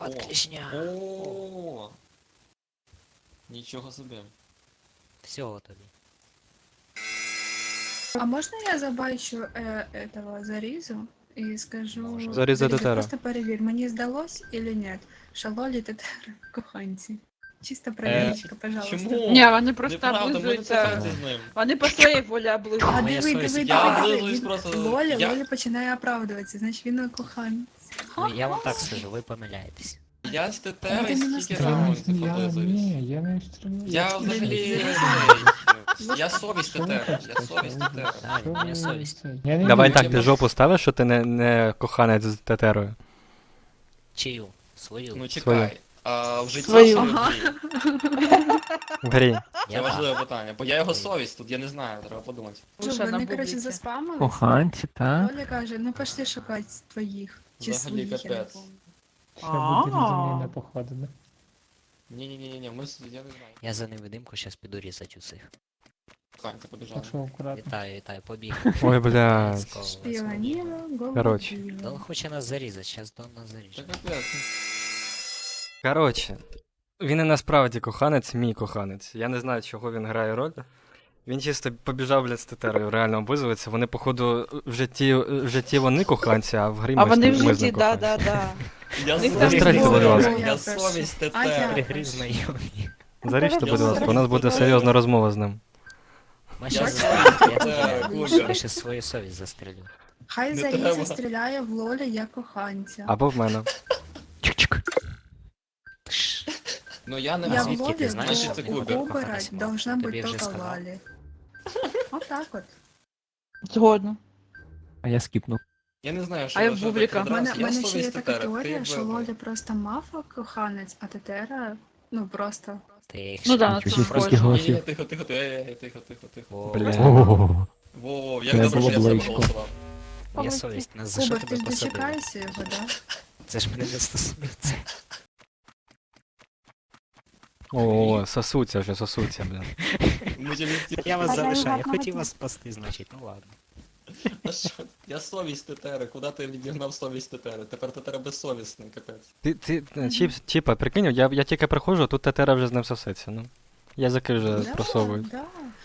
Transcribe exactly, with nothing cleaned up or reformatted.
От клешня. О. Нічого собі. Всього тобі. А можно я забачу э, этого Зарізу і скажу... Може. Заріза Тетера. Просто перевір, мені здалось или нет, що Лолі Тетера коханці. Чисто проверочка, пожалуйста. Чому? Ні, вони просто Неправда, ми не облизуються. коханці з ним. Вони по своїй волі А облизуються. Моя диви, совість. диви, Я диви, облизуюсь диви. просто- Лоля, я- Лоля починає оправдуватися, значить він коханець. Ну, я вам так скажу, ви помиляєтесь. Я з Тетерою Ти не скільки настроєний. раундів Я, облизуюсь. ні, я не стріляю. Я взагалі... Я совість Тетери, я совість Тетери. Правильно, моя совість. Я не Давай вірю. так, ти жопу ставиш, що ти не, не коханець з тетерою. Чию? Свою. Ну Свою. чекай, а в житті Свою. чи в Ага. грі? В грі. Це Я важливе питання, бо я його совість, тут я не знаю, треба подумати. Що, Лише на вони, коротше, бублиці. заспамились? Коханці, так? Оля каже, ну пошли шукати твоїх. Чи Взагалі своїх, я не капець. помню. Ще буде А. за мною не походили. Ні-ні-ні, ми с- я не знаю. Я за невидимку зараз піду різати усіх. Коханці побіжали. Так що акуратно. Вітаю, вітаю, побіг. Ой, блядь. Let's go, let's go. Шпіоніла, голову Коротше. била. Да он хоче нас зарізати, зараз Дон нас Це заріже. капець. Коротше, він і насправді коханець, мій коханець. Я не знаю, чого він грає роль. Він чисто побіжав, блядь, з тетерою, реально облизується. Вони, походу, в житті, в житті вони коханці, а в грі ми А з вони ним- в ми з житті, ним да, коханці. да, да. Я Них совість там Застрельте, будь Тетери, ласка. Я Я совість перша. А я? Тетери. Гри знайомі. Заріжте, будь Я ласка, у нас буде совість серйозна розмова з ним. Ми Я щас совість застрелю. Тетери, Я Кузя. я ще свою совість застрелю. Хай Не Заріза треба. стріляє в Лолі як коханця. Або в мене. Чик-чик. Тш. Ну я не Я в звідки знаю. ти Лолі знаєш, що то ти Кубер? обирать Коханець мав? должна Тобі бути вже тільки сказав. Лалі. От так от. Згодно. А я скіпнув. Я не знаю, що А я що Бубліка. таке У мене, драс. в Я мене ще є совість така Тетери. теорія, Ти що б- Лоля просто мафа коханець, а Тетера, ну просто. Ти їх Ну ще да, не це Чуть-чуть чув. схоже. скільки Ні, ні, голосів. тихо, тихо, тихо, ей, ей, тихо, тихо, тихо. О, Бля. Ого. Во, Це як добре, було що я себе близько. голосував. Моя совість, нас за що Кубер, ти тебе ж посадили? дочекаєшся його, да? Це ж мене не стосується. О, сосуться вже, сосуться, блін. Ми же не ті- Я вас А я залишаю, я його хотів пам'ятаю. вас спасти, значить, ну ладно. Та що? Я совість Тетери, куди ти відігнав совість Тетери? Тепер Тетера безсовісний, капець. Ти, ти, чіп, чіпа, прикинь, я, я тільки приходжу, а тут тетера вже з ним сосеться, ну. Язики вже Да, просовують. да.